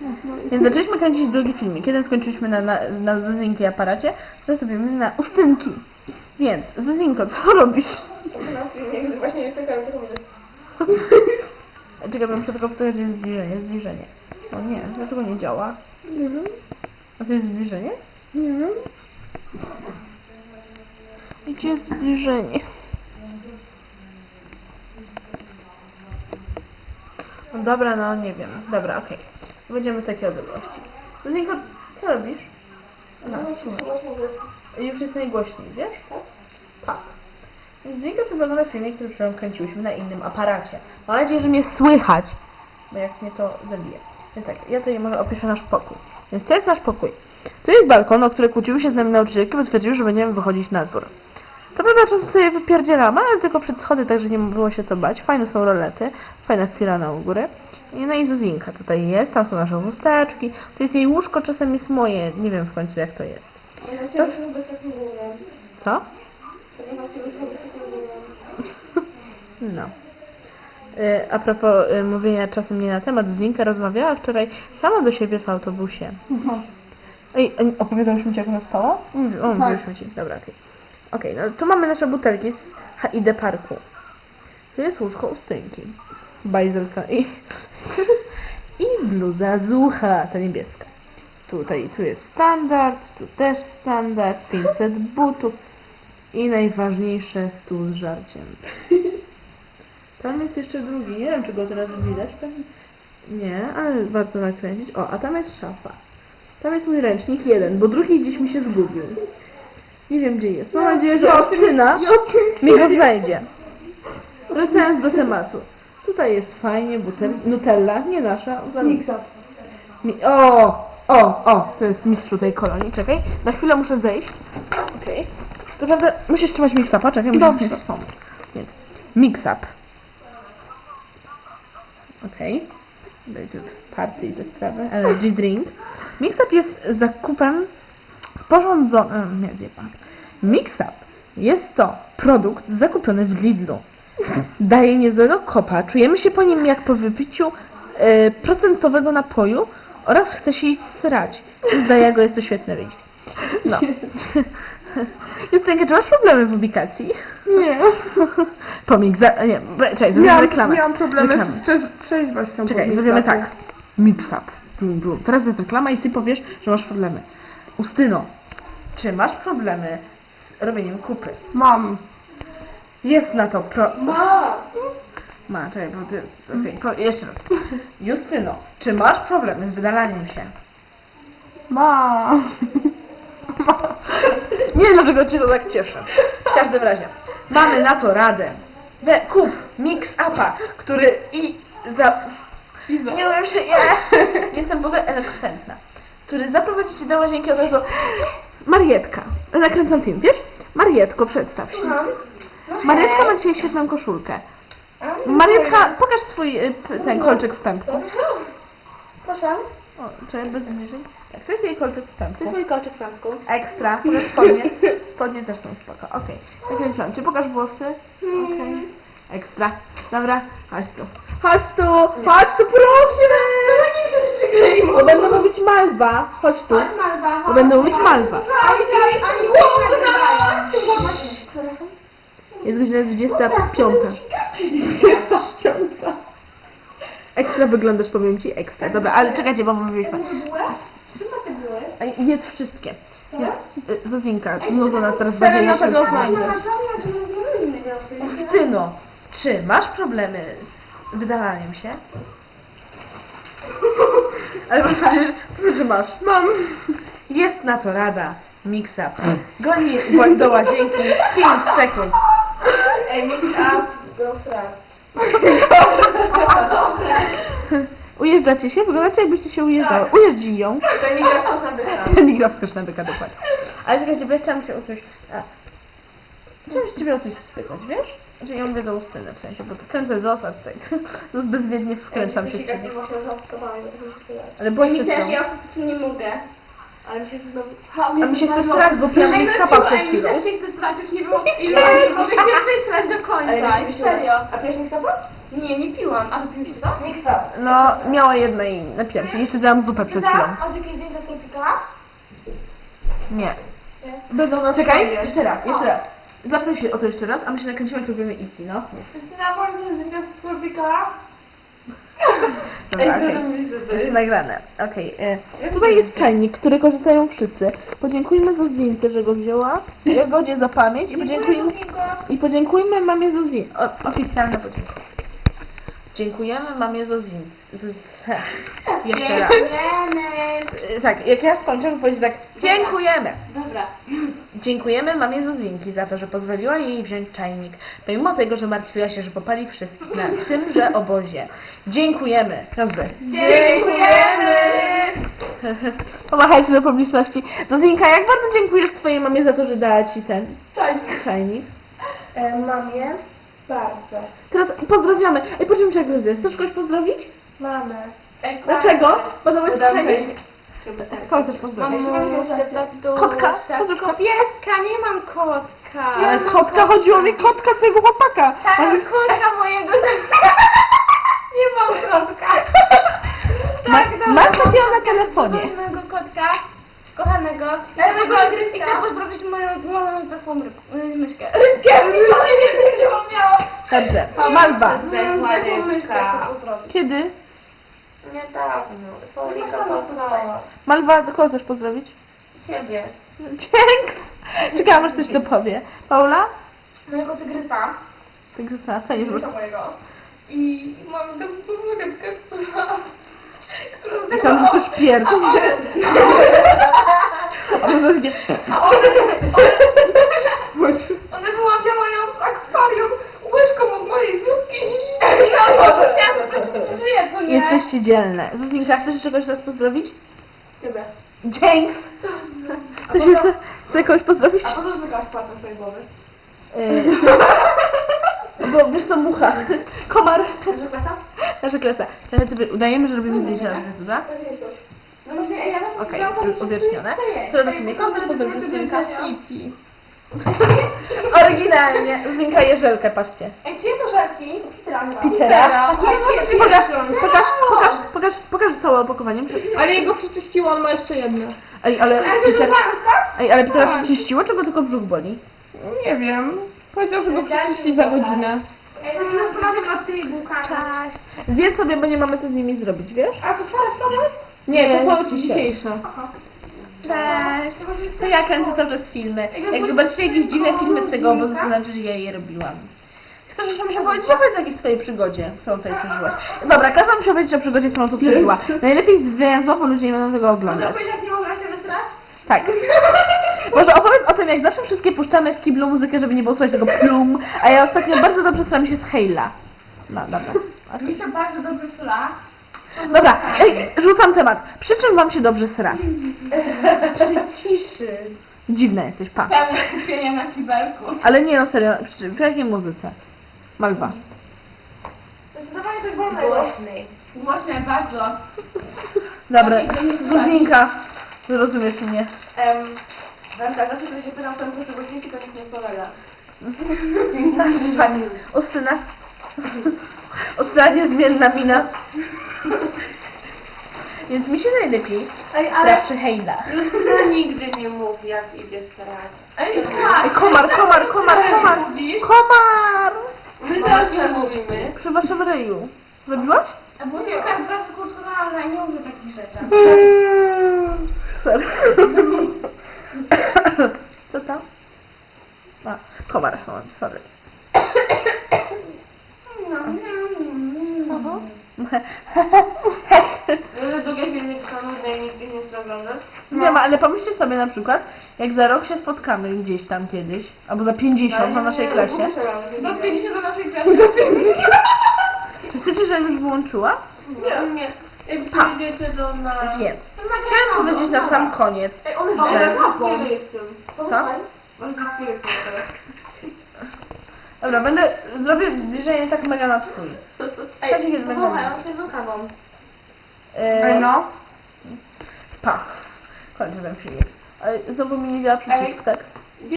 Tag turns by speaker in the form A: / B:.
A: Więc zaczęliśmy kręcić drugi filmik. Jeden skończyliśmy na Zuzinki aparacie, teraz robimy na ustynki. Więc, Zuzinko, co robisz?
B: Na filmie, właśnie jest taka minut.
A: Czekaj, muszę tylko powiedzieć, że jest zbliżenie. O nie, dlaczego nie działa?
B: Nie wiem.
A: A to jest zbliżenie?
B: Nie wiem.
A: Gdzie jest zbliżenie? No dobra, no nie wiem. Dobra, okej. Będziemy z takiej odległości. Zuzinko, co robisz?
B: No,
A: Już jest najgłośniej, wiesz?
B: Tak?
A: Tak. Zuzinka sobie ogląda filmik, który przed kręciłyśmy na innym aparacie. Mam nadzieję, że mnie słychać, bo jak mnie to zabije. Więc tak, ja tutaj może opiszę nasz pokój. Więc to jest nasz pokój. Tu jest balkon, o który kłóciły się z nami nauczycielki, bo twierdziły, że będziemy wychodzić na dwór. To prawda, czasem sobie wypierdzielamy, ale tylko przed schody, także nie było się co bać. Fajne są rolety, fajna chwila u góry. No i Zuzinka tutaj jest, tam są nasze chusteczki. To jest jej łóżko, czasem jest moje, nie wiem w końcu jak to jest.
B: Ja chciałam być takim głównym.
A: Co?
B: Ja chciałam być takim głównym.
A: No. A propos mówienia czasem nie na temat, Zuzinka rozmawiała wczoraj sama do siebie w autobusie. Ej, opowiadałyśmy ci, jak ona spała? Mówiłyśmy ci. Dobra, okej. Okej, no tu mamy nasze butelki z HID Parku. Tu jest łóżko ustynki. Bajzelska i bluza Zucha, ta niebieska. Tu jest standard, tu też standard, 500 butów i najważniejsze stół z żarciem. Tam jest jeszcze drugi, nie wiem czy go teraz widać, pewnie nie, ale warto nakręcić. O, a tam jest szafa. Tam jest mój ręcznik jeden, bo drugi gdzieś mi się zgubił. Nie wiem gdzie jest. Mam nadzieję, że Ostyna mi go znajdzie. Wracając do tematu. Tutaj jest fajnie, Nutella, nie nasza.
B: Mixa.
A: To jest mistrzu tej kolonii. Czekaj, na chwilę muszę zejść. Okej. To prawda, musisz trzymać mix-upa, czekaj, muszę ci wspomnieć. Więc, mix-up. Okej. Dajcie party i te sprawy. Energy drink. Mix-up jest zakupem sporządzonym. Nie, wie pan. Mix-up jest to produkt zakupiony w Lidlu. Daje niezłego kopa. Czujemy się po nim jak po wypiciu procentowego napoju oraz chce się iść srać. Dla jego jest to świetne wyjście. No. Justynka, czy masz problemy w ubikacji?
B: Nie.
A: Nie, czekaj, zrobimy reklamę.
B: Miałam problemy
A: Reklamę.
B: z trzeźwością.
A: Czekaj, zrobimy tak. Mix-up. Teraz jest reklama i ty powiesz, że masz problemy. Ustyno, czy masz problemy z robieniem kupy?
B: Mam.
A: Jest na to
B: Ma.
A: czekaj, bo ty... Okej, jeszcze raz. Justyno, czy masz problemy z wydalaniem się?
B: Ma.
A: Nie wiem, dlaczego cię to tak cieszy. W każdym razie, mamy na to radę. Kup mix-upa, który nie umiem się... Jestem w ogóle elokwentna. Który zaprowadzi cię do łazienki od razu... Marietka. Nakręcam film, wiesz? Marietko, przedstaw się. Marietka ma dzisiaj świetną koszulkę. Marietka, pokaż swój ten kolczyk w pępku.
B: Proszę.
A: O, trzeba bez zbliżeń. Tak, to jest jej kolczyk w pępku.
B: To jest mój kolczyk w pępku.
A: Ekstra. Pokaż spodnie. Spodnie też są spoko. Okej. Nakręciłam cię. Pokaż włosy. Okej. Ekstra. Dobra. Chodź tu. Chodź tu. Chodź tu, proszę.
B: niech się przykleiło.
A: Bo będą mówić Malwa. Chodź tu.
B: Malwa.
A: Bo będą mówić Malwa. Jest godzina 25. Ekstra wyglądasz, powiem ci, ekstra. Dobra, ale czekajcie, bo mówiliśmy.
B: Czym macie były?
A: A jedz wszystkie. Zuzinka, znudzona teraz będzie na pewno Justyno, czy masz problemy z wydalaniem się? Ale powiedz, że masz.
B: Mam.
A: Jest na to rada. Mix-up. Goni do łazienki 5 sekund.
B: Ej, mix-up. Go
A: Ujeżdżacie się? Wyglądacie jakbyście się ujeżdżały. Ujeździ ją.
B: To nie gra wskocz na byka.
A: Nie gra wskocz na byka, dokładnie. Ale czekajcie, bo ja chciałam się o coś... Chciałam się ciebie o coś spytać, wiesz? Że ja mówię do Ustyny w sensie, bo to kręcę z osa tutaj. To bezwiednie wkręcam się w ciebie. Ale
B: Bo
A: boję
B: mi
A: się
B: też,
A: co?
B: ja po prostu nie mogę. Ale mi się znowu...
A: A mi się chce strać, bo piłam mi skapa przed chwilą.
B: Też się chce strać, już nie było ilu, może cię wysrać do końca.
A: Ale mi się
B: Serio.
A: A pijesz mi skapa?
B: Nie, nie piłam. A wypiłyście to? Nikt to.
A: No, miała jedna i napiłam się. Jeszcze dałam zupę przed chwilą.
B: A z jakiej zdjęcia tropika?
A: Nie.
B: Będą na
A: Czekaj,
B: stronie.
A: jeszcze raz. Zapnę się o to jeszcze raz, a my się nakręcimy, jak robimy Itzy, no.
B: Justyna, można zdjęcia z tropika?
A: Dobra, okej. Jest nagrane. Okej. Tutaj jest czajnik, który korzystają wszyscy. Podziękujmy Zuzince, że go wzięła. Jagodzie za pamięć i podziękujmy mamie Zuzince. Oficjalne podziękowanie. Dziękujemy mamie Zuzince. Jeszcze raz. Tak, jak ja skończę, to powiedzieć tak. Dziękujemy.
B: Dobra.
A: Dziękujemy mamie Zuzinki za to, że pozwoliła jej wziąć czajnik, pomimo tego, że martwiła się, że popali wszystkich na tymże obozie. Dziękujemy. Dobrze.
B: Dziękujemy!
A: Pomachajcie do publiczności. Zuzinka, jak bardzo dziękujesz swojej mamie za to, że dała ci ten czajnik?
B: Mamie? Bardzo.
A: Teraz pozdrawiamy. Ej, poczekaj, czego jest? Chcesz kogoś pozdrowić?
B: Mamę.
A: Dlaczego? Podoba ci czajnik?
B: Tak.
A: Kogo chcesz pozdrowić? Kotka? Pozdrów kotka.
B: Pieska, nie mam kotka.
A: Ale kotka, chodziło mi kotka twojego chłopaka.
B: Tak, kotka mojego. Nie mam kotka.
A: Masz takiego na telefonie.
B: Mojego kotka, kochanego. I chcę pozdrowić moją taką myszkę. Rybkę! Nie miała.
A: Dobrze. Malwa.
B: Rybka.
A: Kiedy?
B: Niedawno. Paulika poznała.
A: Malwa, kogo chcesz pozdrowić?
B: Ciebie.
A: Dzięki. Czekałam, aż coś to powie. Paula?
B: Mojego tygrysa.
A: Ty Krystyna, staniesz już.
B: Mojego. I mam taką rybkę, która
A: Myślałam, że ktoś pierdzi.
B: Ona wyławiała ją z akwarium łyżką od mojej zupki. Ja chciałam po prostu żyje, to nie?
A: Jesteście dzielne. Zuzinka, chcesz czegoś teraz pozdrowić?
B: Ciebie.
A: Dzięki. Chcesz jeszcze kogoś pozdrowić?
B: A po co zmykałaś palcem swojej głowy?
A: Bo wiesz co, mucha. Komar.
B: Że klasa?
A: Nasza klasa. Teraz sobie udajemy, że robimy zdjęcie na klasy, dobra?
B: No właśnie, ja was
A: Okej, uwiecznione. Teraz zacznijmy. Kogo chcesz pozdrowić, Zuzinka?
B: Kiki.
A: Oryginalnie. Zuzinka Jerzelkę, patrzcie.
B: Ej, gdzie to żarki?
A: Petera.
B: Pokaż.
A: Pokaż całe opakowanie.
B: Ale jego przeczyściło, on ma jeszcze jedno.
A: Ej, ale Petera przeczyściło, czy go tylko brzuch boli?
B: Nie wiem. Powiedział, że go przeczyści za godzinę. Ej, to się zastanawiam nad tymi bułkami.
A: Cześć. Zjedz sobie, bo nie mamy co z nimi zrobić, wiesz?
B: A to stare są?
A: Nie, to są
B: dzisiaj.
A: dzisiejsze. Cześć. To ja kręcę cały czas filmy. Jak zobaczycie jakieś dziwne filmy z tego obozu, to znaczy, że ja je robiłam. Chcesz jeszcze mi się powiedzieć, opowiedz o jakiejś swojej przygodzie, którą tutaj przeżyłaś. Dobra, każda musi powiedzieć o przygodzie, którą tu przeżyła. Najlepiej zwięzło, bo ludzie nie będą tego
B: Mogę
A: oglądać.
B: powiedzieć, jak nie mogła się wysrać?
A: Tak. Może opowiedz o tym, jak zawsze wszystkie puszczamy w kiblu muzykę, żeby nie było słychać tego plum, a ja ostatnio bardzo dobrze staram się z Hejla. No, dobra.
B: Mi się bardzo dobrze sra.
A: Dobra, rzucam temat. Przy czym wam się dobrze sra?
B: Przy ciszy.
A: Dziwna jesteś, pa.
B: Pełne kupienia na kibelku.
A: Ale nie, no serio, przy jakiej muzyce? Malwa.
B: Zdecydowanie coś wolnego. Głośnej. Głośnej bardzo.
A: Dobra, Zuzinka, zrozumiesz mnie.
B: Wanda, zawsze kiedy się pytam, co muszę głośniki, to nikt nie odpowiada.
A: Pani, Ostyna. Ostyna niezmienna mina. Więc mi się najlepiej sra przy Hejla.
B: Justyna nigdy nie mówi, jak idzie strać. Ej,
A: Komar.
B: Mówisz?
A: Komar!
B: My też nie mówimy.
A: Przy waszym ryju. Zrobiłaś?
B: A Buziuka jest po prostu kulturalna i nie mówi takich rzeczy.
A: Sorry. Co tam? A, komar, sorry.
B: Długie filmiki są nudne i nikt ich nie chce oglądać.
A: Nie ma, ale pomyślcie sobie na przykład, jak za rok się spotkamy gdzieś tam kiedyś, albo za 50 na naszej klasie.
B: Do 50 do naszej klasy. Do 50.
A: Czy chcecie, żebym już wyłączyła?
B: Nie. Jak przyjdziecie do nas...
A: Więc, chciałam powiedzieć na sam koniec,
B: Ej, one
A: że...
B: Co? Masz dyskiry teraz.
A: Dobra, zrobię zbliżenie tak mega na twój. Cześć, kiedy będziemy.
B: on się kawą.
A: No. Pa. Kończę ten filmik. Ale znowu mi nie działa przycisk, tak?